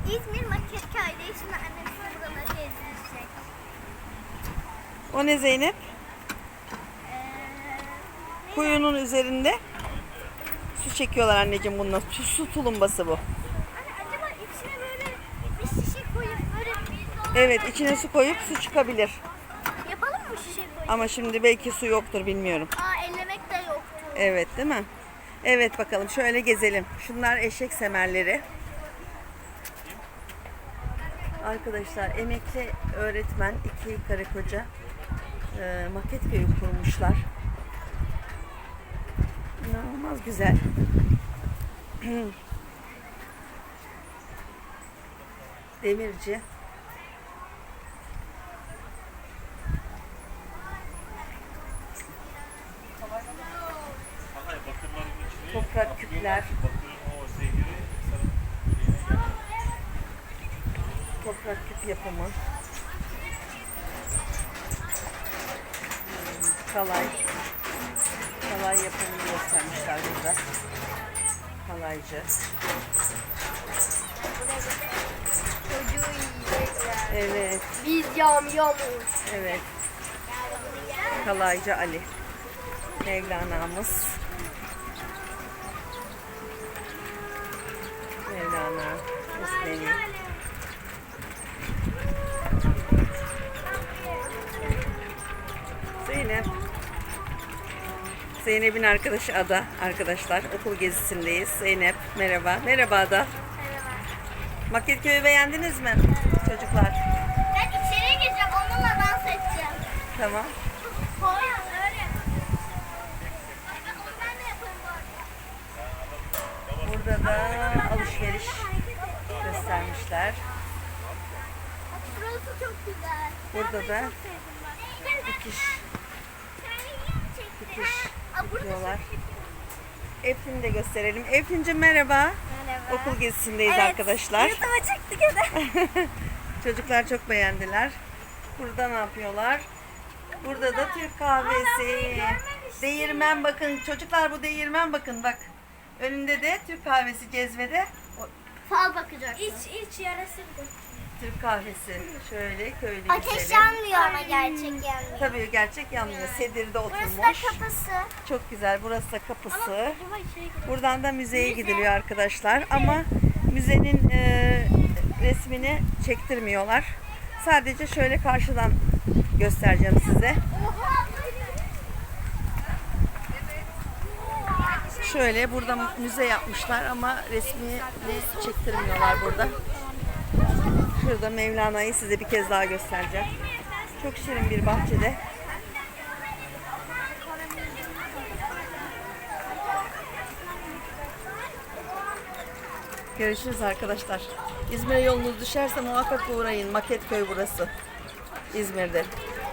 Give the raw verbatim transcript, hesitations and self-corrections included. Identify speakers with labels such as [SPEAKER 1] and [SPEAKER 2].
[SPEAKER 1] İzmir Maketköy'de şimdi annem size buraları gezdirecek.
[SPEAKER 2] O ne Zeynep?
[SPEAKER 1] Ee,
[SPEAKER 2] Kuyunun üzerinde su çekiyorlar anneciğim bununla. Su, su tulumbası bu.
[SPEAKER 1] Anne, acaba içine böyle bir şişe koyup böyle
[SPEAKER 2] Evet, içine su koyup su çıkabilir.
[SPEAKER 1] yapalım mı şişe koyup?
[SPEAKER 2] Ama şimdi belki su yoktur, bilmiyorum.
[SPEAKER 1] Aa, ellemek de yoktu.
[SPEAKER 2] Evet, değil mi? Evet, bakalım şöyle gezelim. Şunlar eşek semerleri. Arkadaşlar, emekli öğretmen iki karı koca e, Maketköy'ü kurmuşlar. İnanılmaz güzel. Demirci. Toprak küpler. Toprak küp yapımı. Kalay. Kalay yapımını göstermişler burada. Kalaycı.
[SPEAKER 1] Çocuğu yiyecekler.
[SPEAKER 2] Evet.
[SPEAKER 1] Biz yamyamız.
[SPEAKER 2] Evet. Kalaycı Ali. Mevlana'mız. Mevlana. Mesnevi. Zeynep. Zeynep'in arkadaşı Ada. Arkadaşlar okul gezisindeyiz. Zeynep merhaba. Merhaba Ada. Maketköy'ü beğendiniz mi çocuklar?
[SPEAKER 1] Ben içeriye gireceğim. Onunla dans edeceğim.
[SPEAKER 2] Tamam.
[SPEAKER 1] Hayır öyle. Ben de yaparım bu arada.
[SPEAKER 2] Burada da alışveriş göstermişler.
[SPEAKER 1] Burası çok güzel.
[SPEAKER 2] Burada da
[SPEAKER 1] Çok sevdim ben.
[SPEAKER 2] dikiş,
[SPEAKER 1] Çekti.
[SPEAKER 2] dikiş
[SPEAKER 1] Aa, burada
[SPEAKER 2] dikiyorlar. Eflin'i de gösterelim. Eflin'cim merhaba.
[SPEAKER 1] Merhaba.
[SPEAKER 2] Okul gezisindeyiz
[SPEAKER 1] Evet,
[SPEAKER 2] arkadaşlar.
[SPEAKER 1] YouTube'a çıktık hadi.
[SPEAKER 2] Çocuklar çok beğendiler. Burada ne yapıyorlar? Burada da Türk kahvesi. Değirmen bakın. Çocuklar bu değirmen bakın bak. Önünde de Türk kahvesi cezvede. O
[SPEAKER 1] Fal bakacak. İç iç yarası
[SPEAKER 2] Türk kahvesi. Şöyle köylü
[SPEAKER 1] Ateş
[SPEAKER 2] güzeli.
[SPEAKER 1] yanmıyor ama gerçek yanmıyor.
[SPEAKER 2] Tabii gerçek yanmıyor. Sedirde
[SPEAKER 1] Burası
[SPEAKER 2] oturmuş.
[SPEAKER 1] da kapısı.
[SPEAKER 2] Çok güzel. Burası da kapısı.
[SPEAKER 1] Acaba içeri girelim.
[SPEAKER 2] Buradan da müzeye gidiliyor arkadaşlar. Ama müzenin e, resmini çektirmiyorlar. Sadece şöyle karşıdan göstereceğim size. Şöyle burada müze yapmışlar ama resmini çektirmiyorlar burada. Şurada Mevlana'yı size bir kez daha göstereceğim. Çok şirin bir bahçede. Görüşürüz arkadaşlar. İzmir'e yolunuz düşerse muhakkak uğrayın. Maketköy burası. İzmir'de.